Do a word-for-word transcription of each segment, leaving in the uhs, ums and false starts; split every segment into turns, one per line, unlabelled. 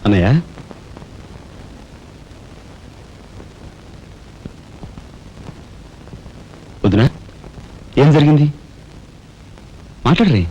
అన్నయ్య, వదినా, ఏం జరిగింది? మాట్లాడరే.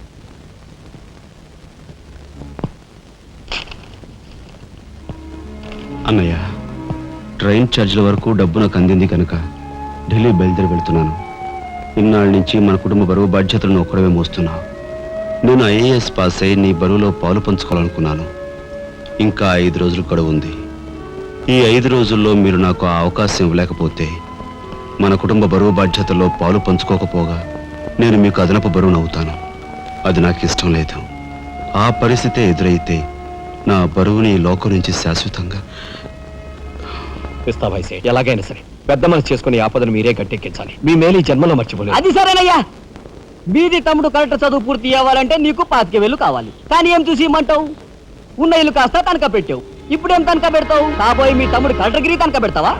అన్నయ్య, ట్రైన్ ఛార్జీల వరకు డబ్బు నాకు అందింది కనుక ఢిల్లీ బయలుదేరి వెళ్తున్నాను. ఇన్నాళ్ళ నుంచి మన కుటుంబ బరువు బాధ్యతలను ఒక్కడమే మోస్తున్నా. నేను ఐఏఎస్ పాస్ అయి నీ బరువులో పాలు పంచుకోవాలనుకున్నాను. ఇంకా ఐదు రోజులు గడువు ఉంది. ఈ ఐదు రోజుల్లో మీరు నాకు ఆ అవకాశం ఇవ్వలేకపోతే మన కుటుంబ బరువు బాధ్యతల్లో పాలు పంచుకోకపోగా నేను మీకు అదనపు బరువును అవుతాను. అది నాకు ఇష్టం లేదు. ఆ పరిస్థితే ఎదురైతే నా బరువుని ఈ లోకం నుంచి శాశ్వతంగా
ఇస్తా భాయ్ సేట్. ఎలాగైనా సరే పెద్ద మనసు చేసుకుని ఆపదను మీరే గట్టెక్కించాలి. మీ మేలు ఈ జన్మలో మర్చిపోలేదు.
అది సరేనయ్యా. మీది తమ్ముడు కరెక్ట్ చదువు పూర్తి అవ్వాలంటే నీకు పాతిక వేలు కావాలి. కానీ ఏం చూసి ఇమ్మంటావు? ఉన్న ఇల్లు కాస్త తనక పెట్టావు. ఇప్పుడేం తనక పెడతావు? కాబోయే మీ తమ్ముడు కలెక్టర్గిరి తనక పెడతావా?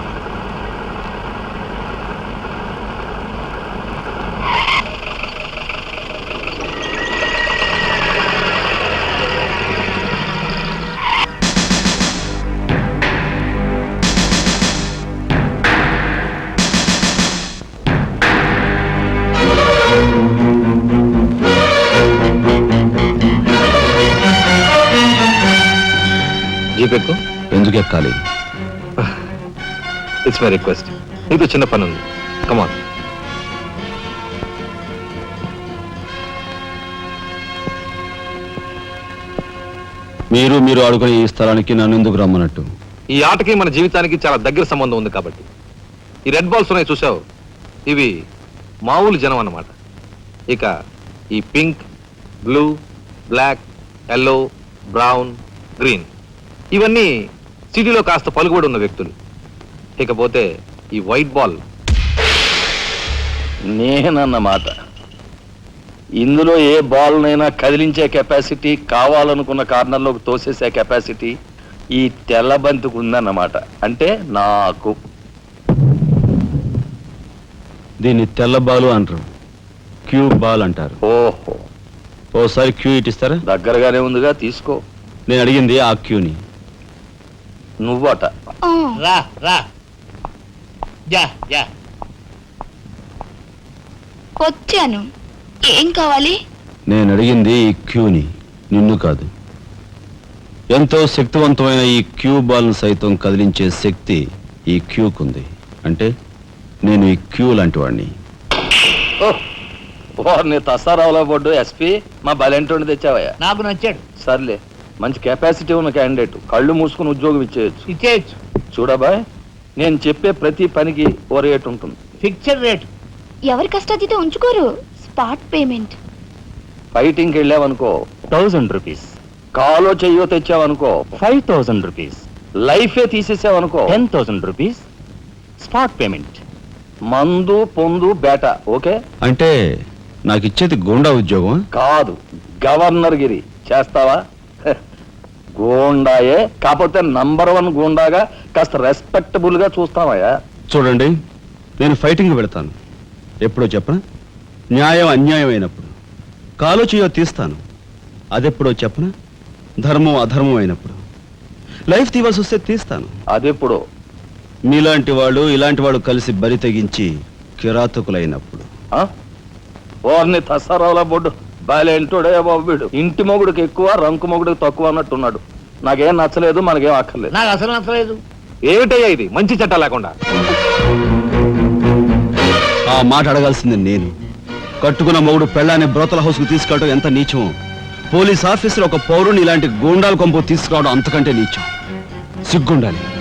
జీపెక్కు.
ఎందుకు ఎక్కాలి?
It's my request. నీతో చిన్న పని ఉంది. కమాన్.
మీరు మీరు ఆడుకునే ఈ స్థలానికి నన్ను ఎందుకు రమ్మన్నట్టు?
ఈ ఆటకి మన జీవితానికి చాలా దగ్గర సంబంధం ఉంది కాబట్టి. ఈ రెడ్ బాల్స్ ఉన్నాయి చూసావు, ఇవి మామూలు జనం అన్నమాట. ఇక ఈ pink, blue, black, yellow, brown, green ఇవన్నీ సిటీలో కాస్త పలుకుబడి ఉన్న వ్యక్తులు. ఇకపోతే ఈ వైట్ బాల్
నేనన్నమాట. ఇందులో ఏ బాల్నైనా కదిలించే కెపాసిటీ, కావాలనుకున్న కార్నర్లోకి తోసేసే కెపాసిటీ ఈ తెల్ల బంతికి ఉందన్నమాట. అంటే నాకు.
దీన్ని తెల్ల బాలు అంటారు, క్యూ బాల్ అంటారు.
ఓహో,
ఓసారి క్యూ ఇటిస్తారా?
దగ్గరగానే ఉందిగా, తీసుకో.
నేను అడిగింది ఆ క్యూని.
నువ్వట.
రా రా. Yeah yeah.
వచ్చాను. ఏం కావాలి?
నేను అడిగింది ఈ క్యూని, నిన్ను కాదు. ఎంతో శక్తివంతమైన ఈ క్యూ బాల్ను సైతం కదిలించే శక్తి ఈ క్యూకుంది. అంటే నేను ఈ క్యూ లాంటి వాడిని.
వారిని తసారావులో పడ్డు ఎస్పీ మా బలెంటోని తెచ్చావయ్యా.
నాకు నచ్చాడు.
సర్లే, మంచి కెపాసిటీ ఉన్న క్యాండిడేట్. కళ్ళు మూసుకుని ఉద్యోగం ఇచ్చేయచ్చు.
ఇచ్చేయచ్చు.
చూడబాయ్, నేను చెప్పే ప్రతి పనికి ఓ రేట్ ఉంటుంది.
Fixed rate.
ఎవరి కష్టాతీత ఉంచుకోరు. Spot payment.
ఫైటింగ్కి వెళ్ళావనుకో
థౌజండ్ రూపీస్.
కాలో చెయ్యో తెచ్చావనుకో
ఫైవ్ థౌజండ్ రూపీస్.
లైఫే తీసేసావనుకో
ten thousand rupees spot payment.
మందు పొందు బేట. ఓకే?
అంటే నాకు ఇచ్చేది గూండా ఉద్యోగం
కాదు, గవర్నర్ గిరి. చేస్తావా? గూండాయే, కాకపోతే నంబర్ వన్ గూండాగా కాస్త రెస్పెక్టబుల్ గా చూస్తావయ్యా.
చూడండి, నేను ఫైటింగ్ పెడతాను. ఎప్పుడో చెప్పనా? న్యాయం అన్యాయం అయినప్పుడు. కాలో చేయో తీస్తాను. అదెప్పుడో చెప్పనా? ధర్మం అధర్మం అయినప్పుడు. లైఫ్ తీవాల్సి వస్తే తీస్తాను.
అదెప్పుడు?
మీలాంటి వాళ్ళు ఇలాంటి వాళ్ళు కలిసి బరి తెగించి కిరాతకులైనప్పుడు.
ఓర్ని తసారావుల బొడ్డు బాలేంటోడే బాబు వీడు. ఇంటి మొగుడికి ఎక్కువ, రంకు మొగుడికి తక్కువ అన్నట్టున్నాడు. నాకేం నచ్చలేదు, మనకేం అక్కర్లేదు.
నాకు అసలు నచ్చలేదు.
ఏమిటయ్యా ఇది మంచి చట్టం లేకుండా?
ఆ మాట అడగాల్సింది నేను. కట్టుకున్న మొగుడు పెళ్ళాన్ని బ్రోతల హౌస్ కు తీసుకెళ్ళడం ఎంత నీచమో, పోలీస్ ఆఫీసర్ ఒక పౌరుని ఇలాంటి గూండాల కొంపు తీసుకురావడం అంతకంటే నీచం. సిగ్గుండాలి.